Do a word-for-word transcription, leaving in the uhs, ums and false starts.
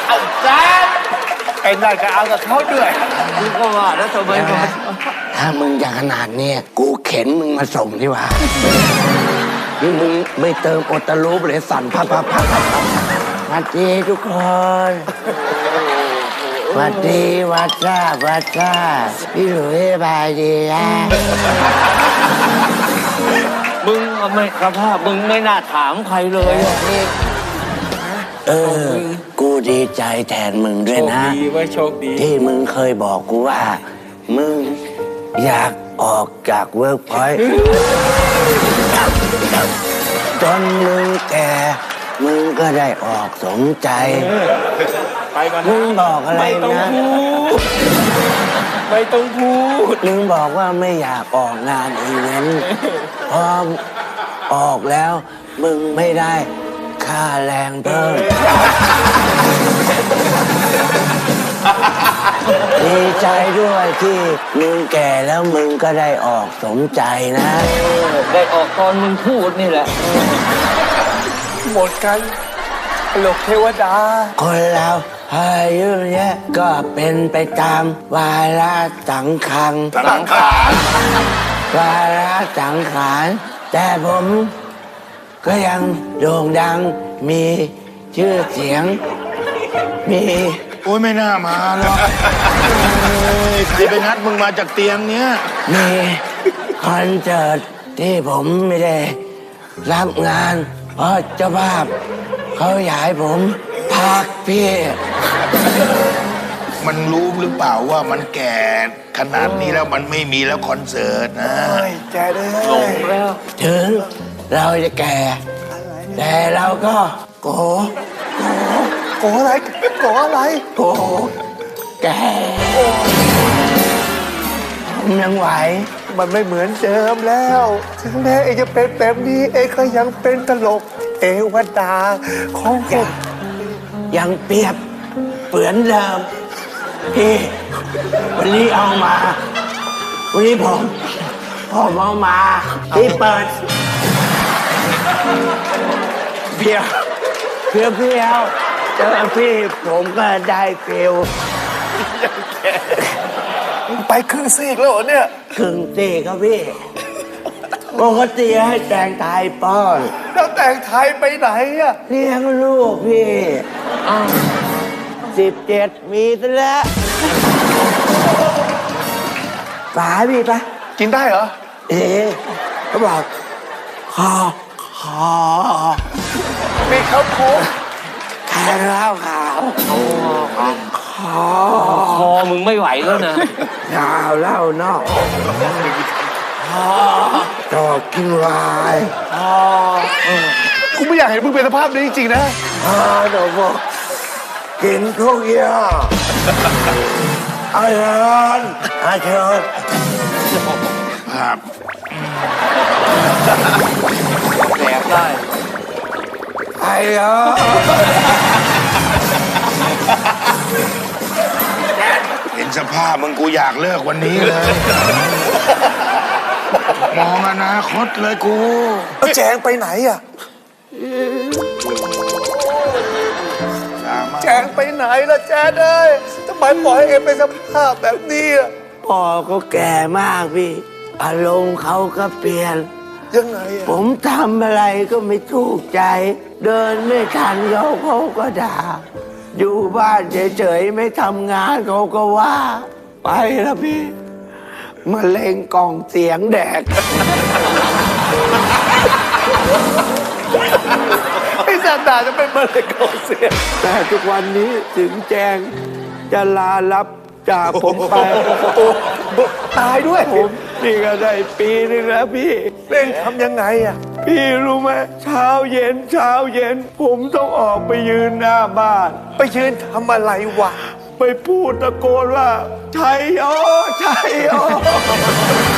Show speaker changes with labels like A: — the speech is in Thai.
A: เอาแจ๊ดไอ้นายก็เอากับเขาด้วยมึงก็ว่าแล้วทำไมมา
B: ถ้ามึงอยากขนาดนี้กูเข็นมึงมาส่งดีกว่านี่มึงไม่เติมโอตาลูปเลยสั่นพับพับพับพับสวัสดีทุกคนสวัสดีวัดจ้าวัดจ้าพี่หลุยบายดีนะ
A: มึงไม่สภาพมึงไม่น่าถามใครเลย
B: เออกูดีใจแทนมึงด้วยนะ
A: โชคดีไว้โชคดี
B: ที่มึงเคยบอกกูว่ามึงอยากออกจากเวิร์กพอยต์จนมึงแก่มึงก็ได้ออกสมใจมึงบอกอะไรนะ
A: ไม่ต้องพูด
B: มึงบอกว่าไม่อยากออกงานอีเวนต์พอออกแล้วมึงไม่ได้ค่าแรงเพิ่มดีใจด้วยที่มึงแก่แล้วมึงก็ได้ออกสมใจนะ
A: ได้ออกตอนมึงพูดนี่แหละหมดกันหลกเทวดา
B: คนเราอายุเนี้ยก็เป็นไปตามวาระสังขาร
A: สังขาร
B: วาระสังขารแต่ผมก็ยังโด่งดังมีชื่อเสียงมี
C: โอ้ยไม่น่ามาหรอกใครไปนัดมึงมาจากเตียงเนี้ย
B: มีคอนเสิร์ตที่ผมไม่ได้รับงานเพราะเจ้าภาพเขาอยากให้ผมพักพี่
C: มันรู้หรือเปล่าว่ามันแก่ขนาดนี้แล้วมันไม่มีแล้วคอนเสิร์ตนะ
A: แก่เลยหลงแล้ว
B: ถึงเราจะแก่แต่เราก็โก
A: โกอะไรโกอะไร
B: โกแก่ผมยังไหว
A: มันไม่เหมือนเดิมแล้วถึงแม้เองจะเป็นแบบนี้เองก็ยังเป็นตลกเอวดาของผม
B: ยังเปรียบเปือนเดิมพี่วันนี้เอามาวันนี้ผมผมเอามาที่เปิดเพียวเพียวเพียวเจอพี่ผมก็ได้เฟีล
A: ไปครึ่งซีกแล้วเหรอเนี่ย
B: ครึ่งซีกครับพี่ปกติให้แต่งไทยป้อน
A: แล้วแต่งไทยไปไหนอะ
B: เลี้ยงลูกพี่สิบเจ็ดมีซะแล้วป๋าพี่ปะ
A: กินได้เหรอ
B: เอ๊ะเขาบอกคอคอ
A: มีข้าวโพด
B: แค่ข้าวขาวคอ
A: คอมึงไม่ไหวแล้วนะ
B: ยาวเล่านอกจอกินวาย
A: กูไม่อยากเห็นมึงเป็นสภาพนี้จริงๆนะ
B: เดี๋ยวบอกกินทุกอย่างอาเชิญอาเชิญ
C: ครับ
A: แดกได้
B: ไอ้เออ
C: เห็นสภาพมึงกูอยากเลิกวันนี้เลยมองอนาคตเลยกู
A: แล้วแจงไปไหนอ่ะแจงไปไหนล่ะแจงเอ้ยทำไมปล่อยให้เอ็มเป็นสภาพแบบนี้อ่ะ
B: พ่อก็แก่มากพี่อารมณ์เขาก็เปลี่ยน
A: ยังไงอ่ะ
B: ผมทำอะไรก็ไม่ถูกใจเดินไม่ทันเขาเขาก็ด่าอยู่บ้านเฉยๆไม่ทำงานเขาก็ว่าไปแล้วพี่มะเร็งกล่องเสียงแดก
A: ไอ้สัตว์ด่าจะเป็นมะเร็งกล่องเสียง
B: แต่ทุกวันนี้ถึงแจงจะลารับจากผมไป
A: ตายด้วย
B: ผมนี่ก็ได้ปีนึงแล้วพี่
A: เร่งทำยังไงอ่ะ
B: พี่รู้ไหมเช้าเย็นเช้าเย็นผมต้องออกไปยืนหน้าบ้าน
A: ไปยืนทำอะไรวะ
B: ไปพูดตะโกนว่าชัยโอชัยโอ